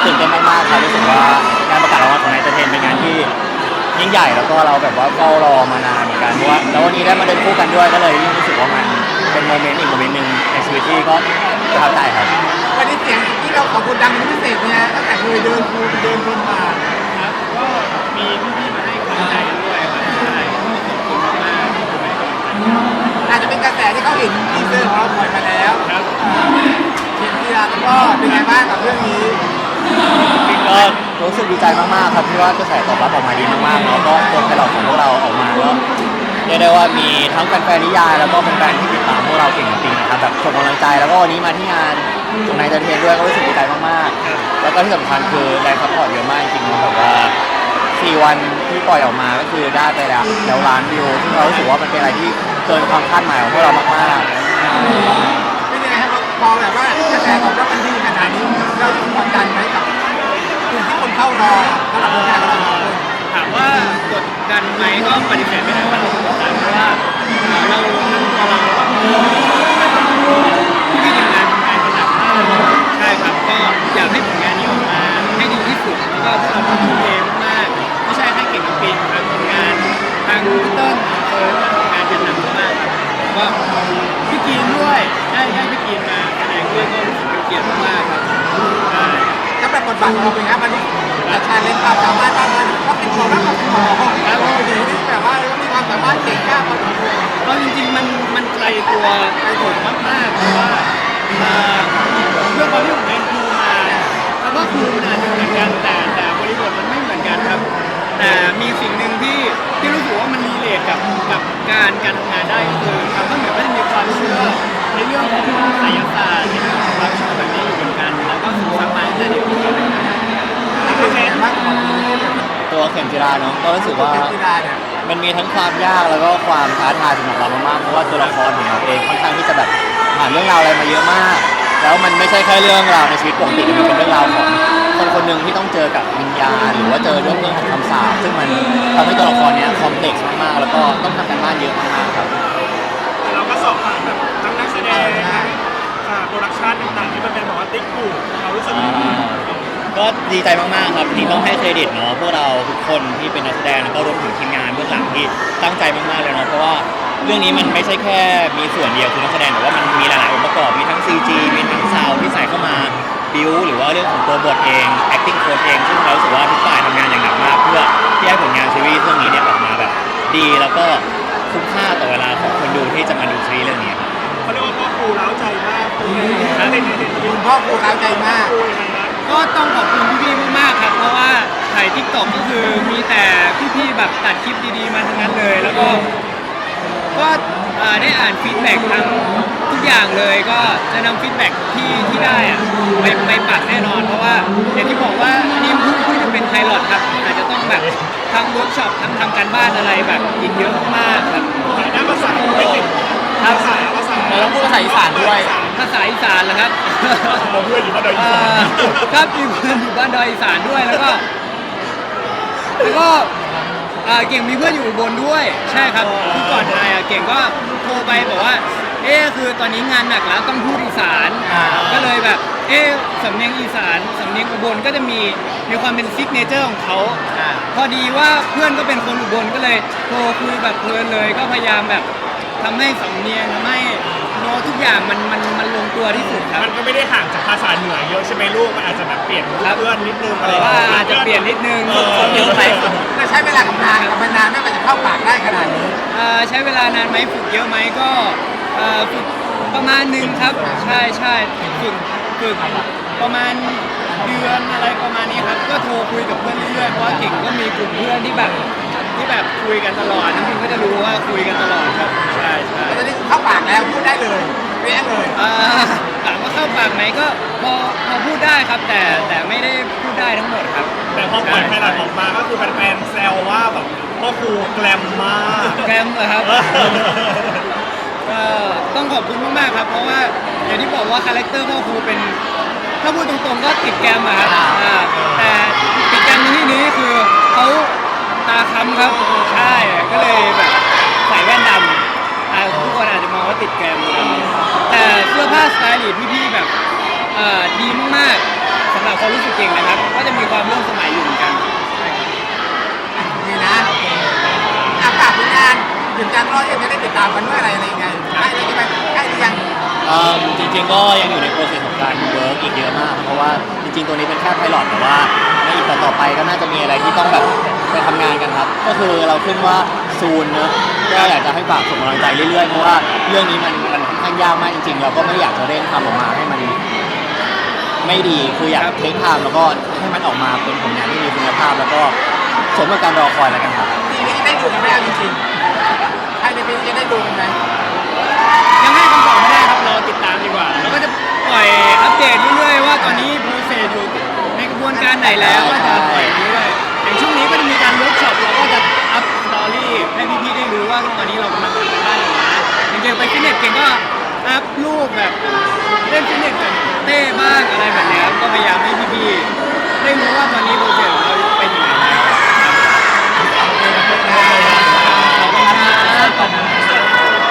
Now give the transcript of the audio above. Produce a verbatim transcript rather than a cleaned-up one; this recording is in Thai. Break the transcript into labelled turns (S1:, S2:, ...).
S1: ตื่นเต้นมากๆครับรู้สึกว่างานประกาศรางวัลของนายเตอร์เทนเป็นงานที่ยิ่งใหญ่แล้วก็เราแบบว่าเฝ้ารอมานานเหมือนกันเพราะว่าแล้ววันนี้ได้มาเดินคู่กันด้วยก็เลยยิ่งรู้สึกว่ามันเป็นโมเมนต์อีกโมเมนต์หนึ่งในชีวิตที่ก็ประทับใจครับ
S2: วันนี้เสียงที่เราขอบคุณดังเป็นพิเศษเนี่ยตั้งแต่เคยเดินคูเดินคนมา
S3: ครับก็มีพี่ๆมาให้กำลังใจด้วยครับใช่ขอบคุณมากๆที่ให้กำลังใจ
S2: อาจจะเป็นกระแสที่เขาเห็นทีเซอร์ของเราปล่อยมาแล้ว
S3: ครับ
S2: เขียนทีละแล้วก็เป็นไงบ้างกับเรื่องนี้
S1: ก็รู้สึกดีใจมากๆครับที่ว่ากระแสตอบรับออกมาดีมากๆแล้วก็ตัวไพลอตของพวกเราออกมาก็เรียกได้ว่ามีทั้งแฟนๆนิยายแล้วก็แฟนๆที่ติดตามพวกเราเก่งจริงๆนะครับแบบส่งกำลังใจแล้วก็วันนี้มาที่งานของนายเตอร์เทนด้วยก็รู้สึกดีใจมากๆแล้วก็ที่สำคัญคือแรงซัพพอร์ตเยอะมากจริงๆแบบว่าสี่วันที่ปล่อยออกมาก็คือได้ไปแล้วแล้วล้านวิวซึ่งเรารู้สึกว่ามันเป็นอะไรที่เกินความคาดหมายของพวกเรามากๆ
S2: เป็นยังไงครับพอแบบว่ากระแสตอบรับมันดีขนาดนี้เรากดดันไหมกับกลุ่มที่คนเข้ารอสำหรับผลงานของเราสองคน
S3: ถามว่ากดดันไหมก็ปฏิเสธไม่ได้ว่าเรากดดันเพราะว่าเราทำตัวเราแบบที่ทำงานทำงานกันหนักมากใช่ครับก็อยากให้ผลงานนี้ออกมาให้ดีที่สุดแล้วก็ทำให้ทุ่มเทมากๆไม่ใช่แค่เก่งกับปีนทางผลงานทางพีเติ้ลเออทำงานกันหนักมากครับก็พี่กีนด้วยได้ได้พี่กีนมาแสดงด้วยก็รู้สึกเป็นเกียรติมากครับใช่
S2: ถ้าแบบบทบาทของเราเป็นไงวันนี้แต่ชาเลนจ์ความสามารถบ้างเลยก็เป็นของเราของหมอแล้วก็ดีที่แบบว่ามีความสามารถเก่งมากพอสมควร
S3: ก็จริงๆมันมันไกลตัวไกลตัวมากๆเพราะว่าเรื่องความที่ผมเรียนครูมาคำว่าครูมันอาจจะเหมือนกันแต่แต่บริบทมันไม่เหมือนกันครับแต่มีสิ่งหนึ่งที่ที่รู้สึกว่ามันรีเลทกับกับการการทำงานได้ก็คือครับก็เหมือนว่าจะมีความเชื่อในเรื่องของไสยศาสตร์ในเรื่องของความเชื่อแบบนี้อยู่เหมือนกันแล้วก็ศึกษามาตั้งแต่เด็ก
S1: ตัวเข็มจิราเนาะก็รู้สึกว่ามันมีทั้งความยากแล้วก็ความท้าทายสำหรับเรามากๆเพราะว่าตัวละครของเราเองค่อนข้างที่จะแบบผ่านเรื่องราวอะไรมาเยอะมากแล้วมันไม่ใช่แค่เรื่องราวในชีวิตปกติมันเป็นเรื่องราวของคนคนหนึ่งที่ต้องเจอกับวิญญาณหรือว่าเจอเรื่องเรื่องของคำสาปซึ่งมันทำให้ตัวละครเนี้ยคอมเพล็กซ์มากๆแล้วก็ต้องทำกันบ้านเยอะมากๆครับ
S3: เราก็สอบผ่านแบบทั้งนักแสดงทั้งโปรดักชันต่างๆที่มันเป็นแบบว่าติ๊กถูกเรารู้สึก
S1: ก็ดีใจมากๆครับที่ต้องให้เครดิตเนาะพวกเราทุกคนที่เป็นนักแสดงแล้วก็รวมถึงทีมงานเบื้องหลังที่ตั้งใจมากๆเลยเนาะเพราะว่าเรื่องนี้มันไม่ใช่แค่มีส่วนเดียวคือนักแสดงแต่ว่ามันมีหลายๆองค์ประกอบมีทั้ง ซี จี มีทั้งซาวด์ที่ใส่เข้ามาบิวหรือว่าเรื่องของตัวบทเอง acting coach เองซึ่งเรารู้สึกว่าทุกฝ่ายทำงานอย่างหนักมากเพื่อที่ให้ผลงานซีรีส์เรื่องนี้เนี่ยออกมาแบบดีแล้วก็คุ้มค่าต่อเวลาของคนดูที่จะมาดูซีรีส์เรื่องนี้ครับ
S3: เขาเรียกว่าพ่อครูเล้าใจมาก
S2: คุณพ่อครูเล้าใจมาก
S3: ก็ต้องขอบคุณพี่ๆมากๆครับเพราะว่าถ่ายทิกตอกก็คือมีแต่พี่ๆแบบตัดคลิปดีๆมาทั้งนั้นเลยแล้วก็ก็ได้อ่านฟีดแบ็กทั้งทุกอย่างเลยก็จะนำฟีดแบ็กที่ที่ได้อะไปไปปักแน่นอนเพราะว่าอย่างที่บอกว่าอันนี้เพิ่งเพิ่งจะเป็นไพลอตครับอาจจะต้องแบบทำเวิร์กช็อปทั้งทำการบ้านอะไรแบบอีกเยอะมากครับด้านภาษาไม่ติดภาษาภาษา
S1: เราต้องพูดภาษาอีสานด้วย
S3: ภาษาอีสานเหรอครับ
S1: เพื่อนอยู่บ้านดอยอีสาน
S3: ครับมีเพื่อนอยู่บ้านดอยอีสานด้วยแล้วก็แล้วก็เก่งมีเพื่อนอยู่อุบลด้วยใช่ครับที่ก่อนถ่ายเก่งก็โทรไปบอกว่าเอ๊คือตอนนี้งานหนักแล้วต้องพูดอีสานก็เลยแบบเอ๊สำเนียงอีสานสำเนียงอุบลก็จะมีมีความเป็นซิกเนเจอร์ของเขาพอดีว่าเพื่อนก็เป็นคนอุบลก็เลยโทรคุยแบบเพลินเลยก็พยายามแบบทำให้สำเนียงทำให้โน้ตทุกอย่างมันมันมันลงตัวที่สุดครับ
S4: มันก็ไม่ได้ห่างจากภาษาเหนือเยอะใช่ไหมลูกมันอาจจะแบบเปลี่ยนเพื่อนนิดนึงอะไร
S3: ว่าอาจจะเปลี่ยนนิดนึง
S1: เยอะไป
S2: มันใช้เวลากับนานกับมันนานไม่มันจะเข้าปากได้ขนาดนี้
S3: ใช้เวลานานไหมฝึกเยอะไหมก็ฝึกประมาณหนึ่งครับใช่ใช่ฝึกฝึกประมาณเดือนอะไรประมาณนี้ครับก็โทรคุยกับเพื่อนเรื่อยๆเพราะว่าเก่งก็มีกลุ่มเพื่อนที่แบบที่แบบคุยกันตลอดน้ำพิมก็จะรู้ว่าคุยกันตลอดครับใช่ใช่
S2: ตอนนี้เข้าปากแล้วพูดได้เลยเรียกเลย
S3: ถามว่าเข้าปากไหมก็พอพอพูดได้ครับแต่แต่ไม่ได้พูดได้ทั้งหมดครับ
S4: แต่พอปล่อยไพลอตออกมาก็คือแฟนๆแซวว่าแบบพ่อครูแกลมมาก
S3: แกลมเหรอครับก็ต้องขอบคุณมากๆครับเพราะว่าอย่างที่บอกว่าคาแรคเตอร์พ่อครูเป็นถ้าพูดตรงๆก็ติดแกมอะครับแต่ติดแกมในที่นี้คือเขาตาค้ำครับใช่ก็เลยแบบใส่แว่นดำทุกคนอาจจะมองว่าติดแกมแต่เสื้อผ้าสไตล์พี่ๆแบบดีมากๆสำหรับามความรู้สึกเก่งนะครับก็จะมีความร่วมสมัยอยู่เหมือนกัน
S2: นี่นะอากาศผลงานถึงการรอดยังจะได้ติดตามกันเมื่อไหร่อะไรยังไงใกล้เลยใช่ไหมใกล้หรือยัง
S1: เอ่อจริงๆก็ยังอยู่ในโปรเซสของการเวิร์กอีกเยอะมากครับเพราะว่าจริงๆตัวนี้เป็นแค่ไพลอตแต่ว่าในอีกต่อๆไปก็น่าจะมีอะไรที่ต้องแบบไปทำงานกันครับก็คือเราขึ้นว่าซูนเนอะก็อยากจะให้ฝากส่งกำลังใจเรื่อยๆเพราะว่าเรื่องนี้มันมันค่อนข้างยากมากจริงๆ เราก็ไม่ได้อยากจะเร่งทำออกมาให้มันไม่ดีคืออยากเทคไทม์แล้วก็ให้มันออกมาเป็นผลงานที่มีคุณภาพ แล้วก็สมกับการรอคอยแล้วกันครับ
S2: ปีนี้ได้ดูกันไหมเอาจริงๆภายในปีนี้จะได้ดูกันไหม
S3: ยังให้คำตอบไม่ได้ครับรอติดตามดีกว่าแล้วก็จะปล่อยอัปเดตเรื่อยๆว่าตอนนี้โปรเซสอยู่ในกระบวนการไหนแล้วก็จะปล่อยเรื่อยๆอย่างช่วงนี้ก็จะมีการเวิร์กช็อปเราก็จะอัพสตอรี่ให้พี่ๆได้รู้ว่าตอนนี้เรากำลังทำกันบ้านอยู่นะอย่างเก่งไปฟิตเนสเก่งก็อัพรูปแบบเล่นฟิตเนสกับเต้บ้างอะไรแบบเนี้ยครับก็พยายามให้พี่ๆได้รู้ว่าตอนนี้โปรเซส